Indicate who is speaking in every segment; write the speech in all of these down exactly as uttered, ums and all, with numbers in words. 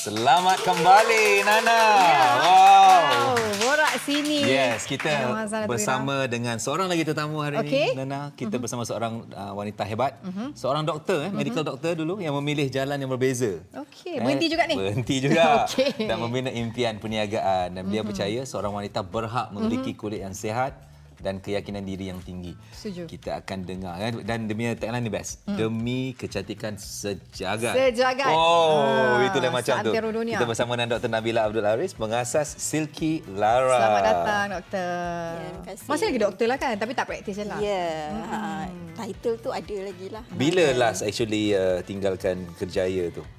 Speaker 1: Selamat kembali, Nana.
Speaker 2: Ya.
Speaker 1: Wow.
Speaker 2: Borak sini.
Speaker 1: Yes, kita
Speaker 2: Masalah
Speaker 1: bersama dengan seorang lagi tetamu hari
Speaker 2: Okey.
Speaker 1: ini, Nana. Kita uh-huh. bersama seorang uh, wanita hebat, uh-huh. seorang doktor, eh, medical uh-huh. doktor dulu yang memilih jalan yang berbeza.
Speaker 2: Okey, berhenti juga ni?
Speaker 1: Berhenti juga.
Speaker 2: Okey.
Speaker 1: Dan membina impian perniagaan. Dan beliau uh-huh. percaya seorang wanita berhak memiliki uh-huh. kulit yang sihat dan keyakinan diri yang tinggi.
Speaker 2: Setuju.
Speaker 1: Kita akan dengar kan? Dan demi tagline ni best. Hmm. Demi kecantikan sejagat.
Speaker 2: Sejagat.
Speaker 1: Oh,
Speaker 2: Ah,
Speaker 1: itulah macam tu.
Speaker 2: seantero dunia.
Speaker 1: Kita bersama dengan Doktor Nabila Abdul Aris, pengasas Silky Lara.
Speaker 2: Selamat datang, doktor.
Speaker 3: Ya, terima kasih.
Speaker 2: Masih lagi doktor lah kan, tapi tak praktis je lah.
Speaker 3: Ya, yeah. hmm. title tu ada lagi lah.
Speaker 1: Bila last actually uh, tinggalkan kerjaya tu?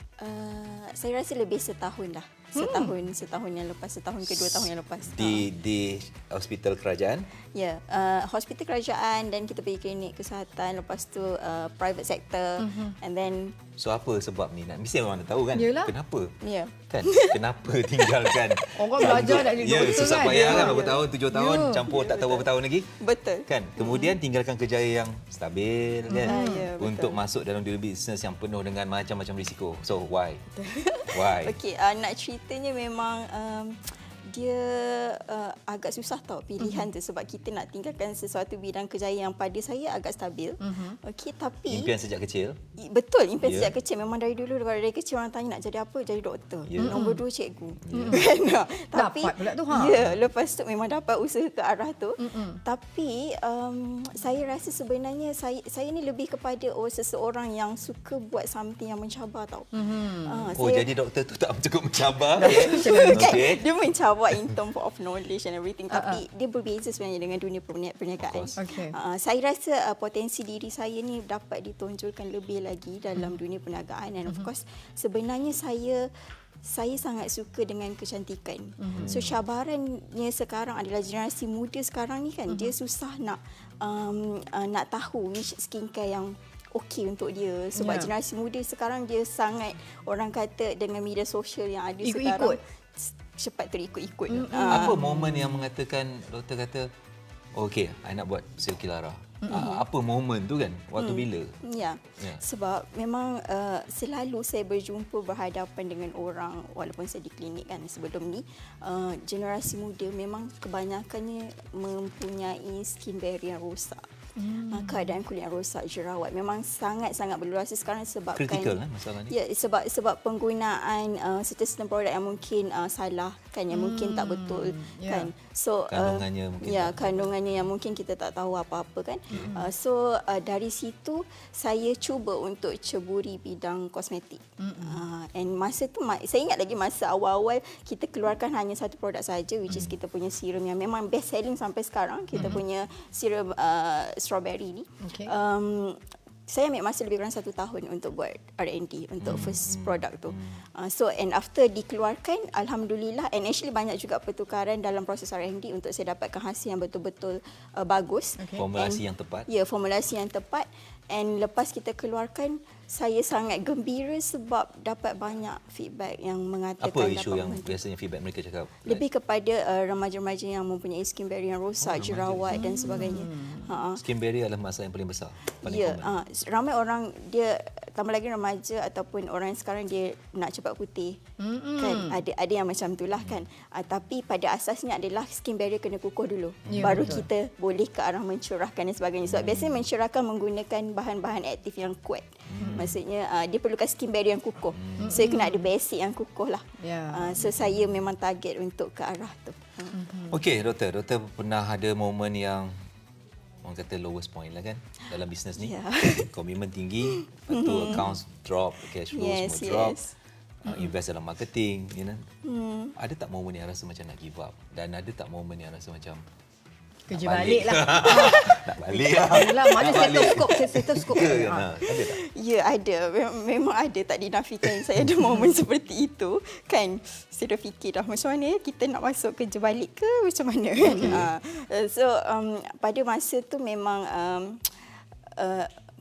Speaker 3: Uh, saya rasa lebih setahun lah. Setahun, hmm. setahun yang lepas, setahun ke dua tahun yang lepas.
Speaker 1: Di di hospital kerajaan?
Speaker 3: Ya, yeah, uh, hospital kerajaan dan kita pergi klinik kesihatan, lepas tu uh, private sector, mm-hmm. and then.
Speaker 1: So apa sebab ni? Nak mesti orang nak tahu kan?
Speaker 2: Yelah.
Speaker 1: Kenapa?
Speaker 3: Ya. Yeah.
Speaker 1: Kan? Kenapa tinggalkan?
Speaker 2: Orang belajar nak jadi
Speaker 1: ya,
Speaker 2: doktor
Speaker 1: susah
Speaker 2: kan?
Speaker 1: payah
Speaker 2: Ya.
Speaker 1: kan? Berapa tahun? Tujuh tahun?
Speaker 2: Ya.
Speaker 1: Campur tak tahu berapa tahun lagi?
Speaker 3: Betul.
Speaker 1: Kan? Kemudian tinggalkan kerjaya yang stabil kan?
Speaker 3: Ah, ya, betul.
Speaker 1: Untuk masuk dalam dunia bisnes yang penuh dengan macam-macam risiko. So why? Why?
Speaker 3: Okey, uh, nak ceritanya memang um, dia uh, agak susah tau pilihan uh-huh. tu sebab kita nak tinggalkan sesuatu bidang kerjaya yang pada saya agak stabil. Uh-huh. Okey, tapi
Speaker 1: impian sejak kecil?
Speaker 3: Betul, impian
Speaker 1: yeah.
Speaker 3: sejak kecil. Memang dari dulu dari kecil orang tanya nak jadi apa? Jadi doktor.
Speaker 1: Yeah.
Speaker 3: Nombor dua cikgu.
Speaker 1: Yeah.
Speaker 3: Tapi
Speaker 2: dapat pula tu ha.
Speaker 3: Ya, yeah, lepas tu memang dapat usaha ke arah tu. Uh-uh. Tapi um, saya rasa sebenarnya saya saya ni lebih kepada oh seseorang yang suka buat something yang mencabar tau. Uh-huh. Uh,
Speaker 1: Oh,
Speaker 3: saya,
Speaker 1: jadi doktor tu tak cukup mencabar.
Speaker 3: okay. Dia mencabar in term of knowledge and everything,
Speaker 2: Uh-uh.
Speaker 3: tapi dia berbeza sebenarnya dengan dunia perniagaan.
Speaker 2: Okay.
Speaker 3: Uh, saya rasa uh, potensi diri saya ni dapat ditonjolkan lebih lagi dalam dunia perniagaan, and of course sebenarnya saya saya sangat suka dengan kecantikan. Uh-huh. So cabarannya sekarang adalah generasi muda sekarang ni kan, uh-huh. dia susah nak um, uh, nak tahu which skincare yang okey untuk dia sebab yeah. generasi muda sekarang dia sangat, orang kata dengan media sosial yang ada
Speaker 2: Ikut-ikut.
Speaker 3: sekarang cepat terikut-ikut.
Speaker 2: Mm-hmm.
Speaker 3: Uh,
Speaker 1: Apa momen yang mengatakan doktor kata oh, okey, I nak buat Silky Lara? Mm-hmm. Apa momen tu kan? Waktu mm. bila?
Speaker 3: Ya.
Speaker 1: Yeah.
Speaker 3: Sebab memang uh, selalu saya berjumpa berhadapan dengan orang walaupun saya di klinik kan sebelum ni, uh, generasi muda memang kebanyakannya mempunyai skin barrier yang rosak. Hmm. Keadaan kulit yang rosak, jerawat memang sangat-sangat berluasa sekarang sebabkan
Speaker 1: kritikal eh masalah ni.
Speaker 3: Ya, sebab sebab penggunaan uh, certain produk yang mungkin uh, salah kan, yang hmm. mungkin tak betul
Speaker 2: yeah.
Speaker 3: kan. So
Speaker 1: kandungannya
Speaker 3: uh,
Speaker 1: mungkin
Speaker 3: ya
Speaker 1: tak
Speaker 3: kandungannya yang mungkin kita tak tahu apa-apa kan. Hmm. Uh, so uh, dari situ saya cuba untuk ceburi bidang kosmetik. Hmm. Uh, and masa tu saya ingat lagi masa awal-awal kita keluarkan hanya satu produk saja, which is kita punya serum yang memang best selling sampai sekarang. Kita hmm. punya serum uh, strawberry ni.
Speaker 2: Okay.
Speaker 3: Um, saya ambil masa lebih kurang satu tahun untuk buat R and D untuk hmm. first product tu. Uh, so and after dikeluarkan, alhamdulillah, and actually banyak juga pertukaran dalam proses R and D untuk saya dapatkan hasil yang betul-betul uh, bagus.
Speaker 1: Okay. Formulasi
Speaker 3: and,
Speaker 1: yang tepat.
Speaker 3: Ya, formulasi yang tepat. And lepas kita keluarkan, saya sangat gembira sebab dapat banyak feedback yang mengatakan
Speaker 1: apa isu yang
Speaker 3: membantu.
Speaker 1: biasanya feedback mereka cakap?
Speaker 3: Lebih kepada uh, remaja-remaja yang mempunyai skin barrier yang rosak, oh, jerawat dan sebagainya.
Speaker 1: Hmm.
Speaker 3: Ha.
Speaker 1: Skin barrier adalah masalah yang paling besar. Paling
Speaker 3: Ya,
Speaker 1: common.
Speaker 3: uh, ramai orang dia tambah lagi remaja ataupun orang yang sekarang dia nak cepat putih. Mm-hmm. Kan ada ada yang macam itulah kan. Uh, tapi pada asasnya adalah skin barrier kena kukuh dulu. Ya, baru betul. Kita boleh ke arah mencurahkan dan sebagainya. Sebab mm. biasanya mencurahkan menggunakan bahan-bahan aktif yang kuat. Mm. Maksudnya uh, dia perlukan skin barrier yang kukuh. Mm. So kena ada basic yang kukuh lah. Yeah. Uh, so saya memang target untuk ke arah tu.
Speaker 1: Mm-hmm. Okey, doktor, doktor pernah ada momen yang orang kata lowest point lah kan dalam bisnes ni. Yeah. Komitmen tinggi, lepas tu mm-hmm. accounts drop, cash flow
Speaker 3: yes,
Speaker 1: semua drop.
Speaker 3: Yes.
Speaker 1: Uh, invest dalam marketing, you know.
Speaker 3: Mm.
Speaker 1: Ada tak momen yang rasa macam nak give up? Dan ada tak momen yang rasa macam
Speaker 2: kerja balik lah.
Speaker 1: Nak balik lah.
Speaker 2: Yalah, mana stetoskop, stetoskop.
Speaker 1: Ya, kan? Ada tak?
Speaker 3: Ya, ada. Memang ada, tak dinafikan saya ada momen seperti itu. Kan, saya dah fikir dah macam mana kita nak masuk kerja balik ke macam mana. Okay. Uh, so, um, pada masa tu memang um, uh,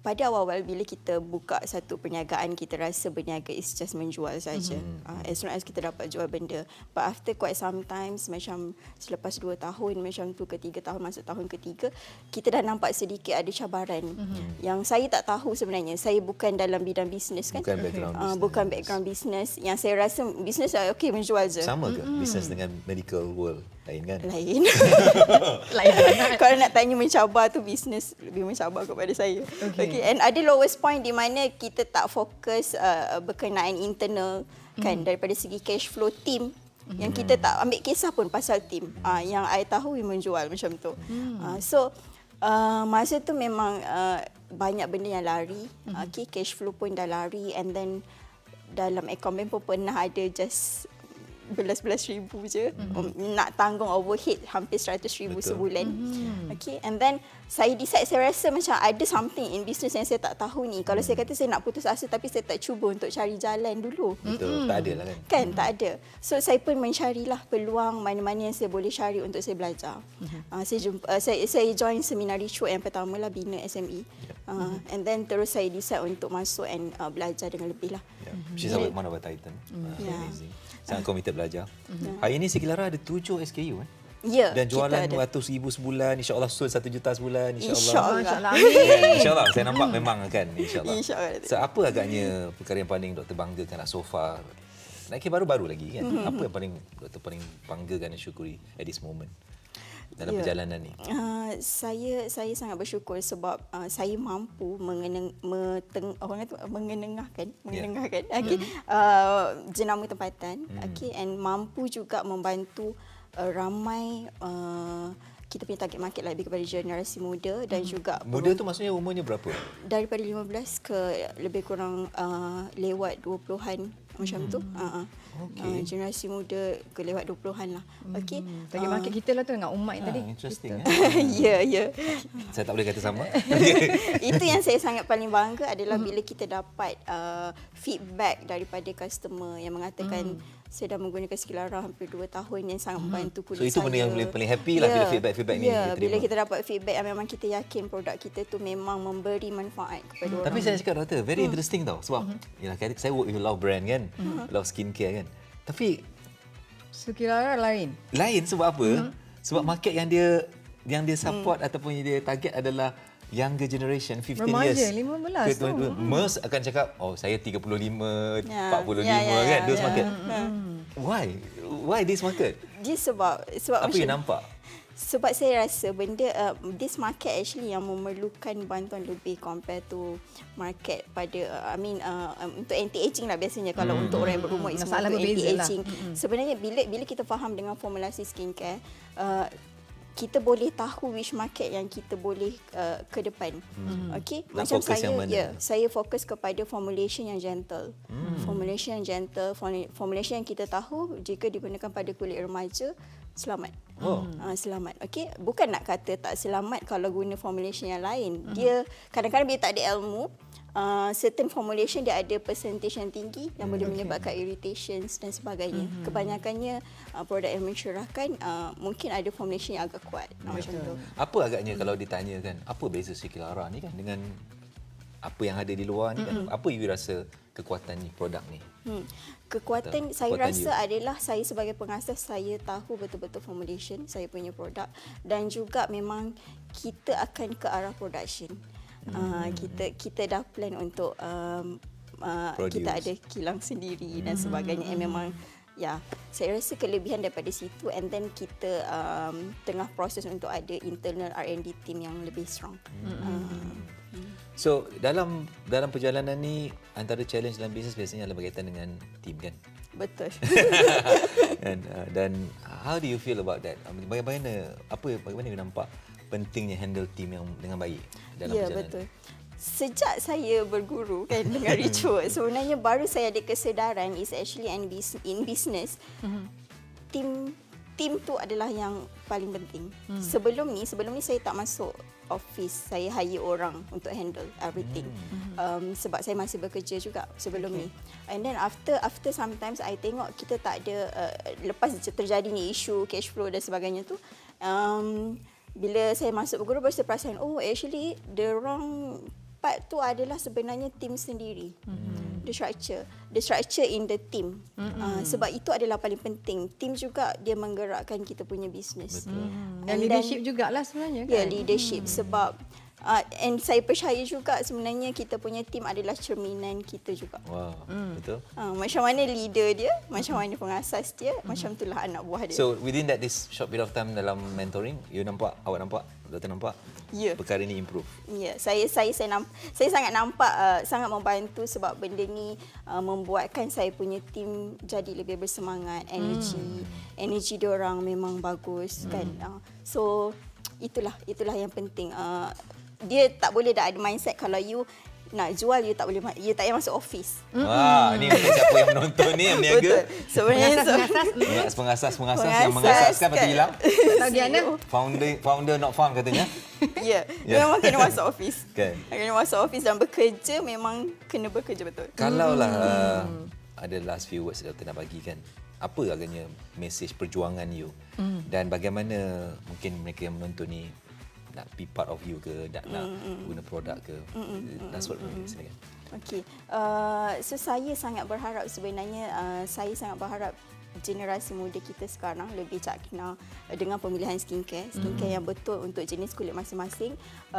Speaker 3: pada awal-awal bila kita buka satu perniagaan, kita rasa berniaga is just menjual saja. Mm-hmm. Uh, as long as kita dapat jual benda. But after quite sometimes, macam selepas dua tahun, macam tu ketiga tahun, masuk tahun ketiga, kita dah nampak sedikit ada cabaran. Mm-hmm. Yang saya tak tahu sebenarnya. Saya bukan dalam bidang bisnes kan.
Speaker 1: Bukan background
Speaker 3: uh,
Speaker 1: business.
Speaker 3: Bukan background bisnes. Yang saya rasa bisnes uh, okey menjual je.
Speaker 1: Sama ke mm-hmm. bisnes dengan medical world? Lain kan?
Speaker 3: Lain.
Speaker 2: Lain.
Speaker 3: Kalau nak tanya mencabar tu bisnes lebih mencabar kepada saya.
Speaker 2: Okay.
Speaker 3: Okay. And ada lowest point di mana kita tak fokus uh, berkenaan internal kan mm. daripada segi cash flow team. Mm. Yang kita tak ambil kisah pun pasal team. Uh, yang I tahu menjual macam tu. Mm. Uh, so uh, masa tu memang uh, banyak benda yang lari. Mm. Okay, cash flow pun dah lari, and then dalam akaun pun pernah ada just belas-belas ribu je mm-hmm. nak tanggung overhead hampir seratus ribu Betul. sebulan. Mm-hmm. Okay, and then saya decide, saya rasa macam ada something in business yang saya tak tahu ni. Kalau mm. saya kata saya nak putus asa tapi saya tak cuba untuk cari jalan dulu.
Speaker 1: Betul, mm-hmm. tak ada lah kan.
Speaker 3: Kan, mm-hmm. tak ada. So saya pun mencarilah peluang mana-mana yang saya boleh cari untuk saya belajar. Mm-hmm. Uh, saya jumpa uh, saya saya join seminar Richo yang pertama lah, Bina S M E. Yep. Uh, mm-hmm. And then terus saya decide untuk masuk and uh, belajar dengan lebih lah.
Speaker 1: Yeah. She's mm-hmm. one of our titan. Mm-hmm. Uh, yeah. Amazing. Sangat committed belajar.
Speaker 3: Mm-hmm.
Speaker 1: Hari ini Sekilara ada tujuh S K U eh?
Speaker 3: Ya.
Speaker 1: Dan jualan ratus ribu sebulan, insya-Allah sold satu juta sebulan,
Speaker 3: insya-Allah.
Speaker 1: Insya-Allah. Insya-Allah. Saya nampak memang kan, insya-Allah.
Speaker 3: Insya-Allah.
Speaker 1: So, apa agaknya perkara yang paling doktor banggakan lah so far? Lagi baru-baru lagi kan. Mm-hmm. Apa yang paling doktor paling banggakan dan syukuri at this moment dalam yeah. perjalanan ni? Uh,
Speaker 3: saya saya sangat bersyukur sebab uh, saya mampu mengeneng, meteng, orang kata mengenengahkan, mengenengahkan yeah. okay, mm-hmm. uh, jenama tempatan, mm. okay, and mampu juga membantu uh, ramai uh, kita punya target market lebih kepada generasi muda dan hmm. juga
Speaker 1: muda tu maksudnya umurnya berapa?
Speaker 3: Daripada lima belas ke lebih kurang uh, lewat dua puluhan macam hmm. tu. Uh, okay. uh, generasi muda ke lewat dua puluhan lah.
Speaker 2: Hmm.
Speaker 3: Okey.
Speaker 2: Target market uh, kita lah tu dengan Umat
Speaker 1: ah,
Speaker 2: tadi.
Speaker 1: Interesting.
Speaker 3: Ya, ya.
Speaker 1: Saya tak boleh kata sama.
Speaker 3: Itu yang saya sangat paling bangga adalah hmm. bila kita dapat uh, feedback daripada customer yang mengatakan hmm. saya dah menggunakan Sekilara hampir dua tahun yang sangat membantu kulit saya.
Speaker 1: So itu benda yang paling happy lah yeah. bila feedback-feedback ni
Speaker 3: yeah.
Speaker 1: kita
Speaker 3: bila kita dapat feedback yang memang kita yakin produk kita tu memang memberi manfaat kepada hmm. orang.
Speaker 1: Tapi saya cakap doktor, very hmm. interesting tau. Sebab hmm. yalah, saya work with a lot of brand kan, hmm. a lot of skincare kan. Tapi
Speaker 2: Sekilara lain.
Speaker 1: Lain sebab apa? Hmm. Sebab market yang dia yang dia support hmm. ataupun yang dia target adalah younger generation, fifteen
Speaker 2: Remaja,
Speaker 1: years.
Speaker 2: lima belas tu.
Speaker 1: Most akan cakap, oh saya tiga puluh lima,
Speaker 3: yeah.
Speaker 1: empat puluh lima
Speaker 3: yeah, yeah,
Speaker 1: kan, those
Speaker 3: yeah.
Speaker 1: market.
Speaker 3: Hmm.
Speaker 1: Why? Why this market?
Speaker 3: Dia sebab sebab
Speaker 1: apa yang nampak?
Speaker 3: Sebab saya rasa benda uh, this market actually yang memerlukan bantuan lebih compare to market pada uh, I mean uh, um, untuk anti-aging lah biasanya kalau hmm. untuk orang yang berumur is
Speaker 2: masalah
Speaker 3: untuk anti-aging.
Speaker 2: Lah. Hmm.
Speaker 3: Sebenarnya bila bila kita faham dengan formulasi skincare, uh, kita boleh tahu which market yang kita boleh uh, ke depan. Hmm. Okey, macam saya ya, yeah, saya fokus kepada formulation yang gentle. Hmm. Formulation yang gentle, formulation yang kita tahu jika digunakan pada kulit remaja selamat.
Speaker 1: Oh.
Speaker 3: Uh, selamat. Okey, bukan nak kata tak selamat kalau guna formulation yang lain. Hmm. Dia kadang-kadang bila tak ada ilmu, Uh, certain formulation dia ada percentage yang tinggi yang hmm, boleh okay. menyebabkan irritations dan sebagainya. Mm-hmm. Kebanyakannya uh, produk yang mencurahkan uh, mungkin ada formulation yang agak kuat. Yeah. Macam tu.
Speaker 1: Apa agaknya hmm. kalau ditanyakan apa beza Sekilara ni kan dengan apa yang ada di luar ni mm-hmm. kan? Apa you rasa kekuatan ni produk ni? Hmm.
Speaker 3: Kekuatan
Speaker 1: Atau,
Speaker 3: saya
Speaker 1: kekuatan
Speaker 3: rasa
Speaker 1: you.
Speaker 3: adalah saya sebagai pengasas saya tahu betul-betul formulation saya punya produk dan juga memang kita akan ke arah production. Uh, kita kita dah plan untuk um, uh, kita ada kilang sendiri dan sebagainya. And memang ya, saya rasa kelebihan daripada situ, and then kita um, tengah proses untuk ada internal R and D team yang lebih strong. Uh,
Speaker 1: So dalam dalam perjalanan ni antara challenge dalam bisnes biasanya adalah berkaitan dengan team kan?
Speaker 3: Betul.
Speaker 1: dan uh, dan how do you feel about that? Bagaimana apa bagaimana you nampak pentingnya handle team yang dengan baik dalam
Speaker 3: ya,
Speaker 1: perjalanan?
Speaker 3: Ya, betul. Sejak saya berguru kan dengan Richo, sebenarnya baru saya ada kesedaran is actually in business. Mm-hmm. Team team tu adalah yang paling penting. Mm. Sebelum ni, sebelum ni saya tak masuk office, saya hire orang untuk handle everything. Mm. Um, sebab saya masih bekerja juga sebelum okay. ni. And then after after sometimes I tengok kita tak ada uh, lepas terjadi ni isu cash flow dan sebagainya tu, um, bila saya masuk berguru baru saya perasan, oh actually the wrong empat tu adalah sebenarnya tim sendiri. Mm-hmm. The structure. The structure in the team. Mm-hmm. Uh, sebab itu adalah paling penting. Tim juga dia menggerakkan kita punya bisnes.
Speaker 2: Mm. Dan leadership jugalah sebenarnya kan.
Speaker 3: Ya, yeah, leadership. Mm. Sebab Uh, and saya percaya juga sebenarnya kita punya tim adalah cerminan kita juga.
Speaker 1: Wow, mm. betul.
Speaker 3: Uh, macam mana leader dia, macam mana pengasas dia, mm. macam itulah anak buah dia.
Speaker 1: So within that this short period of time dalam mentoring, you nampak, awak nampak, doktor nampak
Speaker 3: yeah.
Speaker 1: perkara ni improve.
Speaker 3: Ya, yeah, saya saya saya nampak, saya sangat nampak uh, sangat membantu sebab benda ni uh, membuatkan saya punya tim jadi lebih bersemangat, energi, mm. energi dia orang memang bagus mm. kan. Uh, so itulah itulah yang penting. Uh, dia tak boleh dah ada mindset kalau you nak jual, you tak boleh, you tak payah masuk office.
Speaker 1: Mm-hmm. Wah, ni mungkin siapa yang menonton ni yang berniaga.
Speaker 3: Betul. Sebenarnya
Speaker 1: pengasas pengasas pengasas yang mengasaskan lepas tu hilang.
Speaker 2: Tak Diana.
Speaker 1: Founder founder not found katanya.
Speaker 3: Ya, yeah. memang kena masuk office.
Speaker 1: Kan.
Speaker 3: Kena masuk office dan bekerja memang kena bekerja betul.
Speaker 1: Kalau lah uh, ada last few words doktor nak bagi kan. Apa agaknya message perjuangan you mm. dan bagaimana mungkin mereka yang menonton ni nak be part of you ke, nak, mm, nak mm, guna produk ke. Mm, That's what mm, silakan.
Speaker 3: Okey. Uh, so saya sangat berharap sebenarnya uh, saya sangat berharap generasi muda kita sekarang lebih cakna dengan pemilihan skincare, skincare mm. yang betul untuk jenis kulit masing-masing.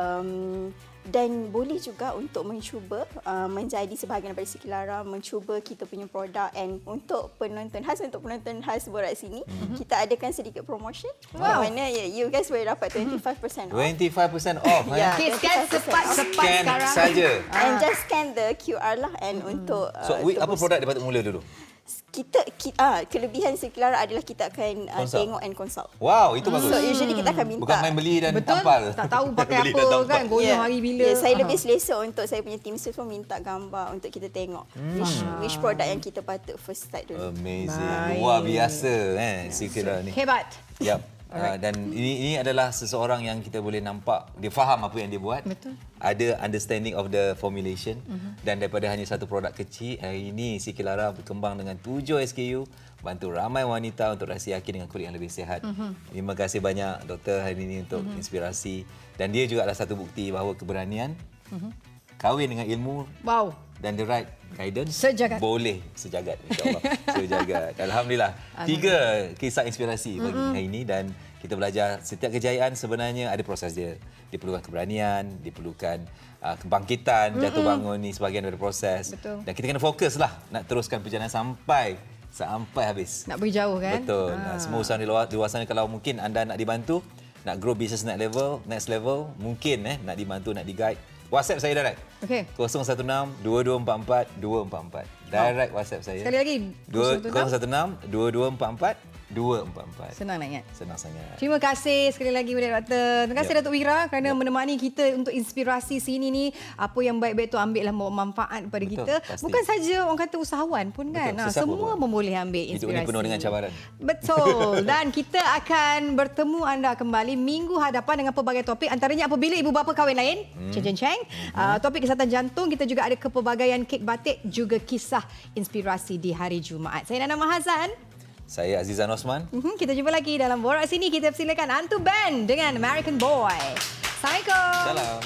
Speaker 3: Um, dan boleh juga untuk mencuba uh, menjadi sebahagian daripada Sekilara, mencuba kita punya produk, and untuk penonton khas untuk penonton khas Borak sini mm-hmm. kita adakan sedikit promotion.
Speaker 2: Wow.
Speaker 3: Mana ya, you guys boleh dapat twenty-five percent off.
Speaker 1: twenty-five percent off.
Speaker 3: Ya,
Speaker 2: okay, scan cepat-cepat sekarang.
Speaker 1: Saja.
Speaker 3: And just scan the Q R lah and mm. untuk uh,
Speaker 1: So, we, apa produk dia patut mula dulu?
Speaker 3: Kita, kita ah, kelebihan Sekilara adalah kita akan uh, tengok and consult.
Speaker 1: Wow, itu bagus.
Speaker 3: So usually kita akan minta.
Speaker 1: Bukan main beli dan
Speaker 2: betul,
Speaker 1: tampal.
Speaker 2: tak tahu pakai
Speaker 1: Beli
Speaker 2: apa
Speaker 1: dan
Speaker 2: kan, guna
Speaker 3: yeah.
Speaker 2: hari bila.
Speaker 3: Yeah, saya lebih selesa untuk saya punya team pun minta gambar untuk kita tengok hmm. which, which product yang kita patut first start dulu.
Speaker 1: Amazing.
Speaker 2: Baik.
Speaker 1: Luar biasa eh Sekilara ni.
Speaker 2: Hebat.
Speaker 1: Yap. Uh, dan ini ini adalah seseorang yang kita boleh nampak dia faham apa yang dia buat.
Speaker 2: Betul.
Speaker 1: Ada understanding of the formulation uh-huh. dan daripada hanya satu produk kecil, hari ini Sekilara berkembang dengan tujuh S K U, bantu ramai wanita untuk rasa yakin dengan kulit yang lebih sihat. Uh-huh. Terima kasih banyak doktor hari ini untuk uh-huh. inspirasi, dan dia juga adalah satu bukti bahawa keberanian uh-huh. kahwin dengan ilmu.
Speaker 2: Wow.
Speaker 1: Dan the right guidance
Speaker 2: sejagat.
Speaker 1: Boleh sejagat, insyaAllah. Sejagat. Alhamdulillah. Tiga kisah inspirasi bagi mm-hmm. hari ini, dan kita belajar setiap kejayaan sebenarnya ada proses dia. Diperlukan keberanian, diperlukan uh, kebangkitan, mm-hmm. jatuh bangun ni sebahagian dari proses.
Speaker 2: Betul.
Speaker 1: Dan kita kena fokuslah nak teruskan perjalanan sampai sampai habis.
Speaker 2: Nak berjauh kan?
Speaker 1: Betul. Ha. Semua usaha di luar, di luar sana, kalau mungkin anda nak dibantu, nak grow business next level, next level, mungkin eh nak dibantu, nak di-guide, WhatsApp saya direct.
Speaker 2: Okey.
Speaker 1: kosong satu enam dua dua empat empat dua empat empat. Direct oh. WhatsApp saya.
Speaker 2: Sekali lagi.
Speaker 1: kosong satu enam dua dua empat empat dua empat empat.
Speaker 2: Senang nak ingat.
Speaker 1: Senang sangat.
Speaker 2: Terima kasih sekali lagi kepada doktor. Terima kasih yep. Datuk Wira kerana yep. menemani kita untuk inspirasi sini ni. Apa yang baik-baik tu ambillah manfaat kepada betul, kita. Pasti. Bukan saja orang kata usahawan pun kan. Betul, ha, semua pun boleh ambil inspirasi.
Speaker 1: Hidup ini penuh dengan cabaran.
Speaker 2: Betul. Dan kita akan bertemu anda kembali minggu hadapan dengan pelbagai topik. Antaranya apabila ibu bapa kahwin lain. Hmm. Ceng ceng ceng. Hmm. Uh, topik kesihatan jantung. Kita juga ada kepelbagaian kek batik. Juga kisah inspirasi di hari Jumaat. Saya Nana Mahazan.
Speaker 1: Saya Azizan Osman.
Speaker 2: Mm-hmm, kita jumpa lagi dalam Borak Sini. Kita persilakan Antu Band dengan American Boy. Assalamualaikum.
Speaker 1: Salam.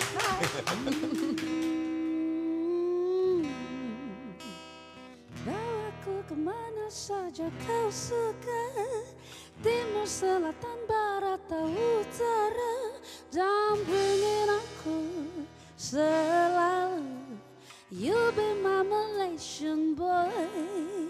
Speaker 4: Bawaku kemana saja kau suka, timur, selatan, barat, atau utara, dampingin aku selalu. You'll be my Malaysian boy.